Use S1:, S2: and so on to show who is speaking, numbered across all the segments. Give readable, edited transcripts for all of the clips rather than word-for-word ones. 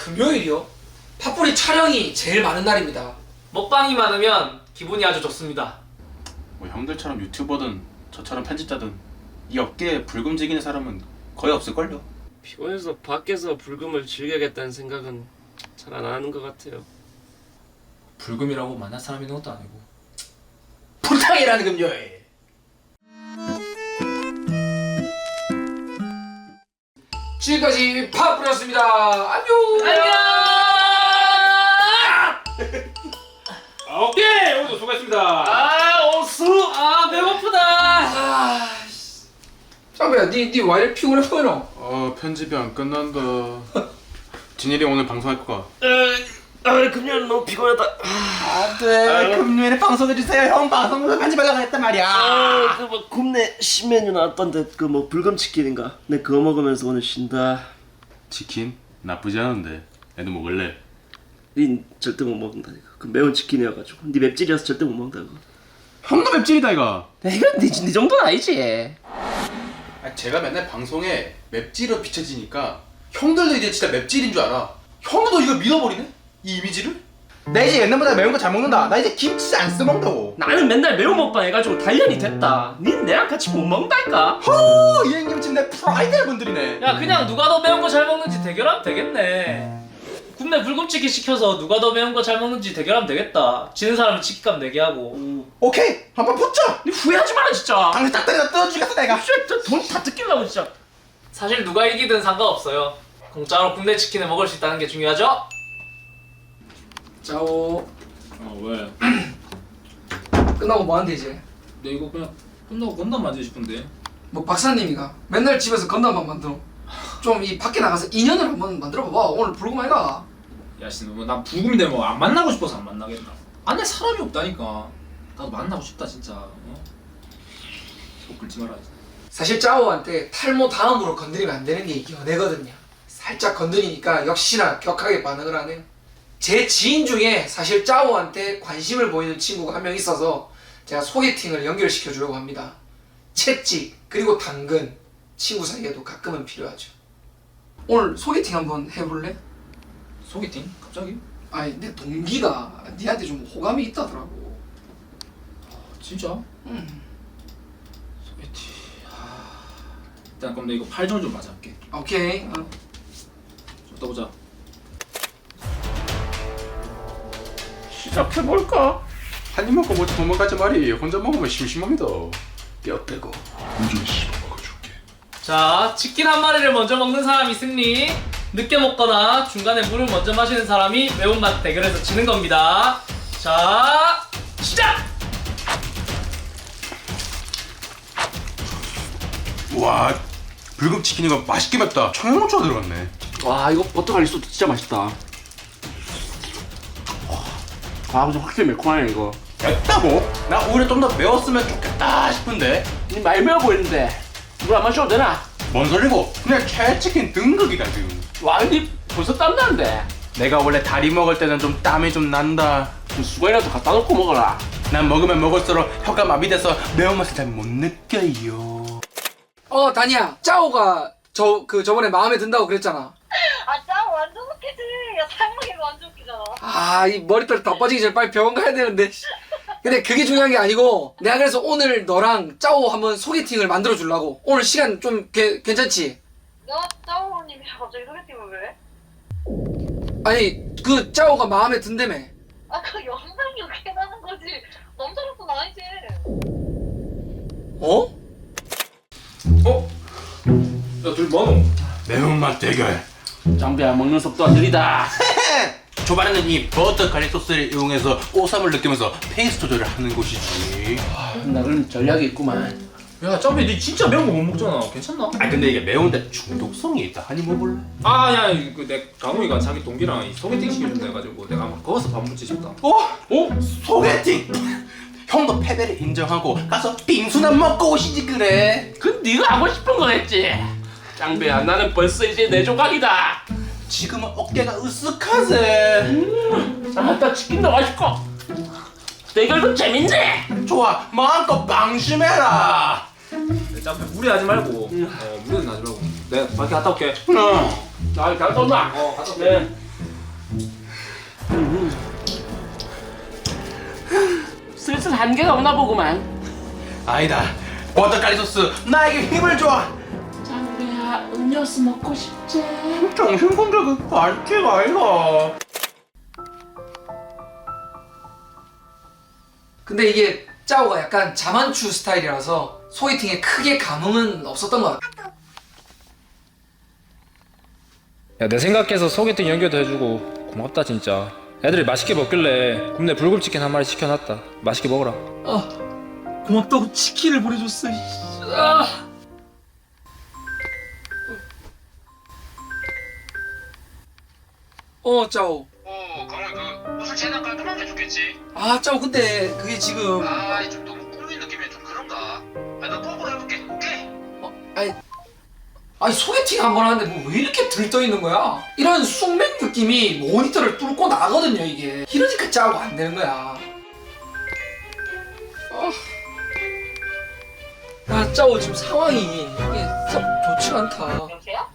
S1: 금요일이요? 팥뿌리 촬영이 제일 많은 날입니다.
S2: 먹방이 많으면 기분이 아주 좋습니다.
S3: 뭐 형들처럼 유튜버든 저처럼 편집자든 이 업계에 불금지기는 사람은 거의 없을걸요.
S4: 피곤해서 밖에서 불금을 즐겨야겠다는 생각은 잘 안 하는 것 같아요.
S5: 불금이라고 만날 사람 있는 것도 아니고.
S1: 불탕이라는 금요일. 지금까지 팥뿌리였습니다. 안녕.
S3: 오케이 오늘도 수고했습니다.
S4: 오수!
S2: 배고프다.
S1: 짱배야, 니 왜 이렇게 피곤해 보이노?
S3: 편집이 안 끝난다. 진일이 오늘 방송할 거가.
S4: 금요일 너무 피곤하다.
S6: 네, 금요일에 방송해주세요. 형 방송도 편집하려고 했단 말이야.
S4: 그뭐 굽네 신메뉴 나왔던데 그 뭐 불금치킨인가? 내 그거 먹으면서 오늘 쉰다.
S3: 치킨 나쁘지 않은데 애도 먹을래?
S4: 닌 절대 못 먹는다 이거. 그 매운 치킨이어가지고. 네 맵찔이어서 절대 못 먹는다 이거.
S3: 형도 맵찔이다 이거.
S4: 이건 네 정도는 아니지.
S3: 제가 맨날 방송에 맵찔로 비춰지니까 형들도 이제 진짜 맵찔인 줄 알아. 형도 이거 믿어버리네? 이 이미지를?
S6: 나 이제 옛날보다 매운 거 잘 먹는다. 나 이제 김치 안 써먹는다고.
S4: 나는 맨날 매운 먹방 해가지고 단련이 됐다. 닌 내랑 같이 못 먹는다니까.
S6: 이 형님은 내 프라이드 분들이네.
S2: 야, 그냥 누가 더 매운 거 잘 먹는지 대결하면 되겠네. 굽네 불금치킨 시켜서 누가 더 매운 거 잘 먹는지 대결하면 되겠다. 지는 사람은 치킨값 내게 하고.
S6: 오케이, 한번 붙자.
S4: 니 후회하지 마라 진짜.
S6: 당신 딱 때려 뜯어주겠어 내가.
S4: 돈다 뜯기려고 진짜.
S2: 사실 누가 이기든 상관없어요. 공짜로 굽네 치킨을 먹을 수 있다는 게 중요하죠?
S1: 짜오.
S5: 왜?
S1: 끝나고 뭐 하는데 이제?
S5: 내 이거 그냥 끝나고 건담 만지고 싶은데.
S1: 뭐 박사님이가 맨날 집에서 건담만 만들어. 좀 이 밖에 나가서 인연을 한번 만들어봐봐. 오늘 불금 아이가.
S5: 야, 씨, 나 불금인데 뭐 안 만나고 싶어서 안 만나겠나? 안에 사람이 없다니까. 나도 만나고 싶다 진짜. 속 긁지 마라.
S1: 사실 짜오한테 탈모 다음으로 건드리면 안 되는 게 이게 연애거든요. 살짝 건드리니까 역시나 격하게 반응을 하네요. 제 지인 중에 사실 짜오한테 관심을 보이는 친구가 한 명 있어서 제가 소개팅을 연결시켜 주려고 합니다. 채찍 그리고 당근 친구 사이에도 가끔은 필요하죠. 오늘 소개팅 한번 해볼래?
S5: 소개팅? 갑자기?
S1: 아니 내 동기가 니한테 좀 호감이 있다더라고.
S5: 진짜?
S1: 응.
S5: 소개팅. 일단 그럼 나 이거 팔절 좀 맞아볼게.
S1: 오케이.
S5: 좀 떠보자.
S4: 시작해볼까?
S3: 한 입 먹고 뭐 도망가지 말이. 혼자 먹으면 심심합니다. 뼈 떼고.
S2: 자, 치킨 한 마리를 먼저 먹는 사람이 승리. 늦게 먹거나 중간에 물을 먼저 마시는 사람이 매운맛 대결에서 지는 겁니다. 자, 시작!
S3: 와 불금 치킨 이거 맛있게 맵다. 청양고추가 들어갔네.
S4: 와 이거 버터갈리 소스 진짜 맛있다. 아 근데 확실히 매콤하네 이거.
S3: 맵다고? 나 오히려 좀 더 매웠으면 좋겠다 싶은데.
S4: 니 많이 매워 보이는데 물 안 마셔도 되나?
S3: 뭔 소리고? 그냥 채치킨 등극이다 지금.
S4: 와 니 벌써 땀나는데.
S3: 내가 원래 다리 먹을 때는 좀 땀이 좀 난다.
S4: 좀 수건이라도 갖다 놓고 먹어라.
S3: 난 먹으면 먹을수록 혀가 마비돼서 매운맛을 잘 못 느껴요.
S1: 다니야. 짜오가 저번에 마음에 든다고 그랬잖아.
S7: 짱 완전 웃기지. 야, 상무이가 완전 웃기잖아.
S1: 아, 이 머리털 다 빠지기 전에 빨리 병원 가야 되는데. 근데 그게 중요한 게 아니고 내가 그래서 오늘 너랑 짜오 한번 소개팅을 만들어 주려고. 오늘 시간 좀 괜찮지?
S7: 너 짜오님이 갑자기 소개팅을 왜?
S1: 아니 그 짜오가 마음에 든다며.
S7: 그 영상이 웃게 나는 거지. 남자로서는 아니지.
S1: 어?
S5: 야, 둘 뭐노?
S3: 매운맛 대결.
S4: 짱배야 먹는 속도가 느리다.
S3: 초반에는 이 버터 가리 소스를 이용해서 오삼을 느끼면서 페이스 조절을 하는 곳이지.
S4: 나름 전략이 있구만.
S5: 야, 짬배 니 진짜 매운 거 못 먹잖아. 괜찮나?
S3: 아 근데 이게 매운데 중독성이 있다. 한입 먹을래?
S5: 야, 내 강호이가 자기 동기랑 이 소개팅 시켜준다 해가지고 내가 한번 거기서 밥 먹지 싶다.
S3: 소개팅! 형도 패배를 인정하고 가서 빙수나 먹고 오시지 그래.
S4: 그 네가 하고 싶은 거겠지. 짱배야 나는 벌써 이제 내 조각이다.
S3: 지금은 어깨가 으쓱하세.
S4: 아따 치킨도 맛있고 대결도 재밌네.
S3: 좋아 마음껏 방심해라.
S5: 짬배 무리하지 말고. 무리는 하지 말고. 내가 밖에 갔다 올게.
S4: 나 갔다 온다.
S5: 갔다 올게.
S4: 네. 슬슬 한계가 오나 보구만.
S6: 아니다. 버터가리 소스 나에게 힘을 줘.
S4: 짱배야, 음료수 먹고 싶지?
S6: 정신 공격은 반칙 아이가.
S1: 근데 이게 짜오가 약간 자만추 스타일이라서 소개팅에 크게 감흥은 없었던 것 같아.
S8: 야, 내 생각해서 소개팅 연결도 해주고 고맙다 진짜. 애들이 맛있게 먹길래 굽네 불금치킨 한 마리 시켜놨다. 맛있게 먹어라.
S5: 고맙다고 치킨을 보내줬어.
S1: 짜오.
S9: 그러면 그 옷을 재단 깔끔한 게 좋겠지.
S1: 짜오 근데 그게 지금
S9: 좀 너무 꾸민 느낌이 좀 그런가. 나 뽀뽀 해볼게. 오케이.
S1: 아니 소개팅 한 번 하는데 뭐 왜 이렇게 들떠 있는 거야? 이런 숙맥 느낌이 모니터를 뚫고 나거든요 이게. 이러니까 짜오가 안 되는 거야. 야 짜오 지금 상황이 이게 썩 좋지가 않다.
S7: 여보세요?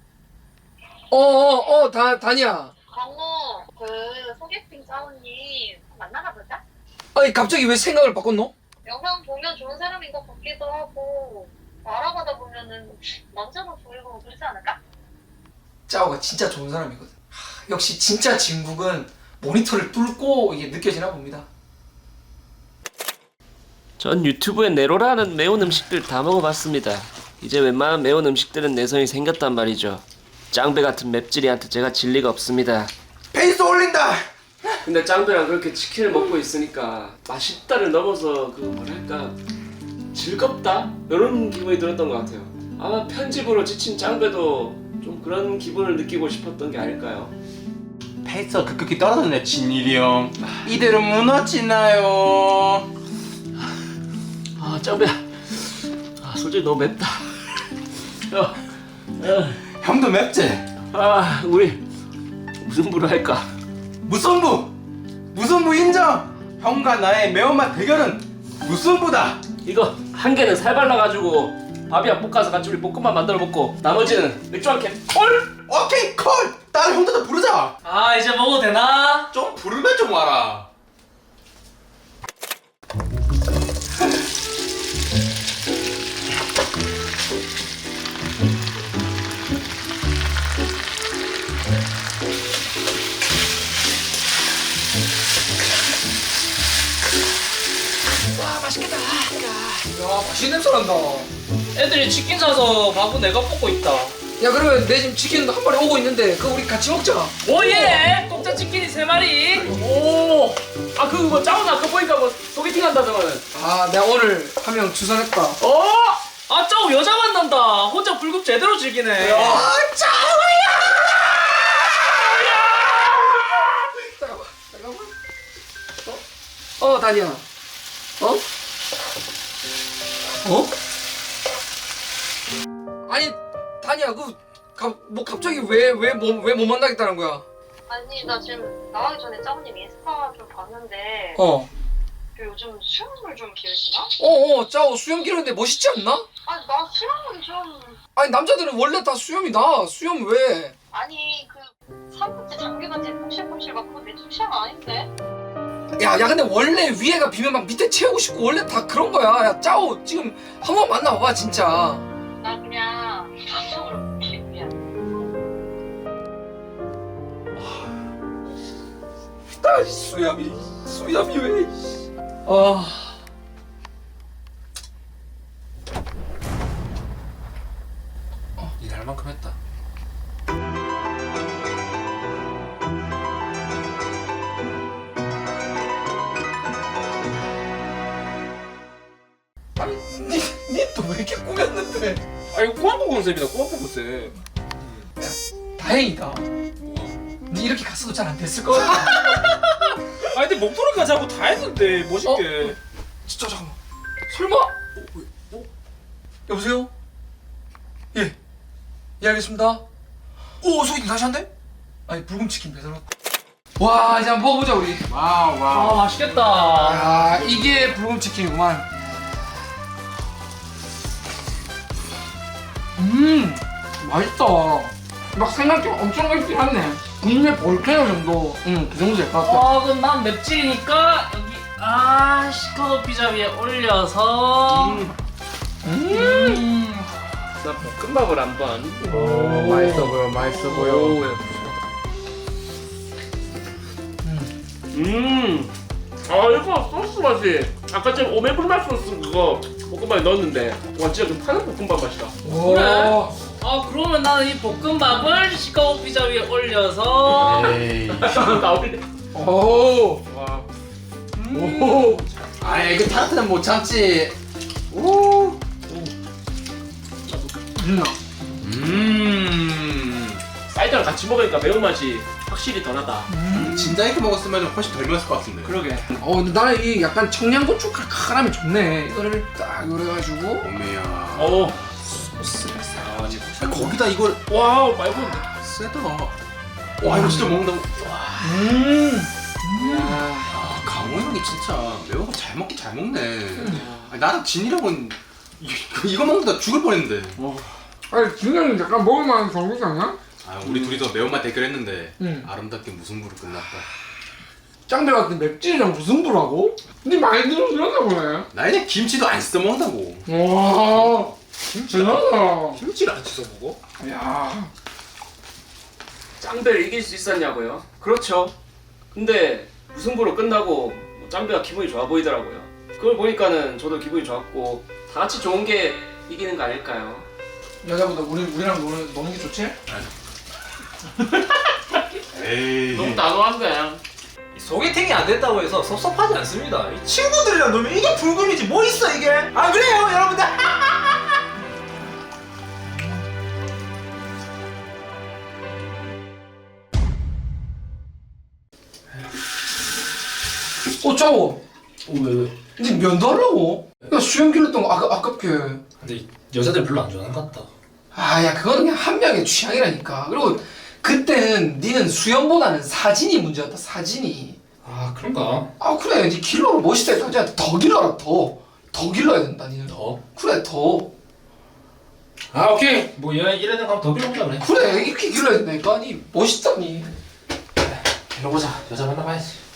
S1: 다니야.
S7: 강호 그 소개팅 짜오님 만나나 보자.
S1: 아니 갑자기 왜 생각을 바꿨노?
S7: 영상 보면 좋은 사람인 것 같기도 하고 알아보다 보면은 남자로 보이고 그러지 않을까?
S1: 짜오가 진짜 좋은 사람이거든. 역시 진짜 진국은 모니터를 뚫고 이게 느껴지나 봅니다.
S4: 전 유튜브에 네로라는 매운 음식들 다 먹어봤습니다. 이제 웬만한 매운 음식들은 내성이 생겼단 말이죠. 짱배 같은 맵찔이한테 제가 질 리가 없습니다.
S6: 페이스 올린다.
S4: 근데 짱배랑 그렇게 치킨을 먹고 있으니까 맛있다를 넘어서 그 뭐랄까 즐겁다? 이런 기분이 들었던 것 같아요. 아마 편집으로 지친 짱배도 좀 그런 기분을 느끼고 싶었던 게 아닐까요?
S6: 페이스가 급격히 떨어졌네 진일이 형. 이대로 무너지나요?
S4: 짱배야, 솔직히 너무 맵다.
S6: 형도 맵지?
S4: 우리 무슨 부를 할까?
S6: 무승부 인정. 형과 나의 매운맛 대결은 무승부다.
S4: 이거 한 개는 살 발라가지고 밥이랑 볶아서 같이 우리 볶음밥 만들어 먹고 나머지는 맥주 한 캔 콜!
S6: 오케이 콜. 다른 형들도 부르자.
S2: 이제 먹어도 되나?
S3: 좀 부르면 좀 와라.
S1: 야 맛있는 냄새 난다.
S2: 애들이 치킨 사서 밥은 내가 먹고 있다.
S1: 야 그러면 내 지금 치킨도 한 마리 오고 있는데 그거 우리 같이 먹자.
S2: 오예! 공짜 치킨이 3마리.
S4: 오! 그거 뭐 짜오나 그거 보니까 뭐 소개팅 한다더만은.
S1: 내가 오늘 한 명 주선했다.
S2: 짜오 여자 만난다. 혼자 불금 제대로 즐기네.
S1: 잠깐만. 다니야. 아니 다니야 뭐 갑자기 왜 못 만나겠다는 거야?
S7: 아니 나 지금 나가기 전에 짜오님 인스타 좀 봤는데 그 요즘 수영을 좀 기르시나?
S1: 짜오 수염 기르는데 멋있지 않나?
S7: 아니 나 수영은 좀
S1: 아니 남자들은 원래 다 수염이 나. 수염 왜?
S7: 아니 그 삼국지 장기같이 푹실푹실 막 그거 내 취향 아닌데?
S1: 야 근데 원래 위에가 비면 막 밑에 채우고 싶고 원래 다 그런 거야. 야 짜오 지금 한번 만나봐봐 진짜.
S7: 나 그냥 감성으로 기분이야.
S1: 수염이 왜?
S3: 일할 만큼 했다.
S1: 니또 왜 이렇게 꾸몄는데?
S8: 이거 꾸안꾸 컨셉이다. 꾸안꾸 컨셉.
S1: 다행이다. 니 이렇게 갔어도 잘 안 됐을 거야.
S8: 근데 목소리까지 하고 다 했는데 멋있게.
S1: 진짜 잠깐만. 설마? 여보세요? 예. 예 알겠습니다. 소개팅 다시 한대? 아니 불금치킨 배달 왔다. 와 이제 한번 먹어보자 우리.
S2: 아 맛있겠다.
S1: 야 이게 불금치킨이구만. 맛있다. 막 생각보다 엄청 맛있긴 하네. 국내 볼케이노 정도. 그 정도 될 것 같아.
S2: 그럼 난 맵찔이니까 여기 시카고 피자 위에 올려서
S4: 나 볶음밥을 한번.
S1: 맛있어 보여, 맛있어
S4: 오, 야. 이거 소스 맛이 아까 전 오메불맛 소스 그거 볶음밥에 넣었는데 와 진짜 그 파는 볶음밥 맛이다.
S2: 그래? 그러면 나는 이 볶음밥을 시카고 피자 위에 올려서
S3: 에이.
S4: 나올래.
S1: 오.
S4: 와.
S1: 오.
S6: 아이 그 타르트는 못 참지. 오.
S4: 쌀이랑 같이 먹으니까 매운맛이 확실히 더 나다.
S3: 진짜 이렇게 먹었으면 훨씬 덜 매웠을 것 같은데.
S4: 그러게.
S1: 근데 나는 이 약간 청양고추 칼칼함이 좋네. 이거를 딱 요래가지고
S3: 어메야.
S4: 오.
S1: 소스를 싹.
S3: 아, 거기다 이걸
S4: 와우 말고.
S3: 세다. 와 이거 진짜 먹는다고. 아, 강호 형이 진짜 매운 거 잘 먹긴 잘 먹네. 아니, 나랑 진이랑은 이거 먹는다 죽을 뻔했는데.
S1: 아니 진영이 약간 먹을만한 정도지 않나?
S3: 아 우리 둘이서 매운맛 대결했는데
S1: 아름답게
S3: 무승부로 끝났다.
S1: 짱배 같은 맵찔이랑 무슨 부라고? 근데 많이 들었나 보네.
S3: 나 이제 김치도 안 써서 먹는다고.
S1: 와. 대단하다.
S5: 김치를 안 쳐서 먹어?
S1: 야.
S4: 짱배를 이길 수 있었냐고요? 그렇죠. 근데 무승부로 끝나고 뭐 짱배가 기분이 좋아 보이더라고요. 그걸 보니까는 저도 기분이 좋았고 다 같이 좋은 게 이기는 거 아닐까요?
S1: 여자보다 우리랑 노는 게 좋지?
S3: 에이.
S4: 너무 단호한데.
S5: 소개팅이 안 됐다고 해서 섭섭하지 않습니다. 이 친구들이랑 놀면 이게 불금이지 뭐 있어 이게? 안 그래요 여러분들?
S1: 짜고.
S8: 왜?
S1: 근데 면도 하려고? 야 수염 길렀던 거 아깝게.
S8: 근데 여자들 별로 안 좋아하는 것 같다.
S1: 야 그거는 그냥 한 명의 취향이라니까. 그리고 그때는 니는 수염보다는 사진이 문제였다. 사진이.
S8: 아 그런가?
S1: 그래 니 길러로 멋있다 했다. 더 길러라 더 길러야 된다 니는.
S8: 더?
S1: 그래 더.
S8: 오케이. 뭐 이래는 가면 더 빌어보자 그래.
S1: 그래 이렇게 길러야 된다니까. 니 멋있다 니.
S8: 빌어보자. 여자 만나봐야지.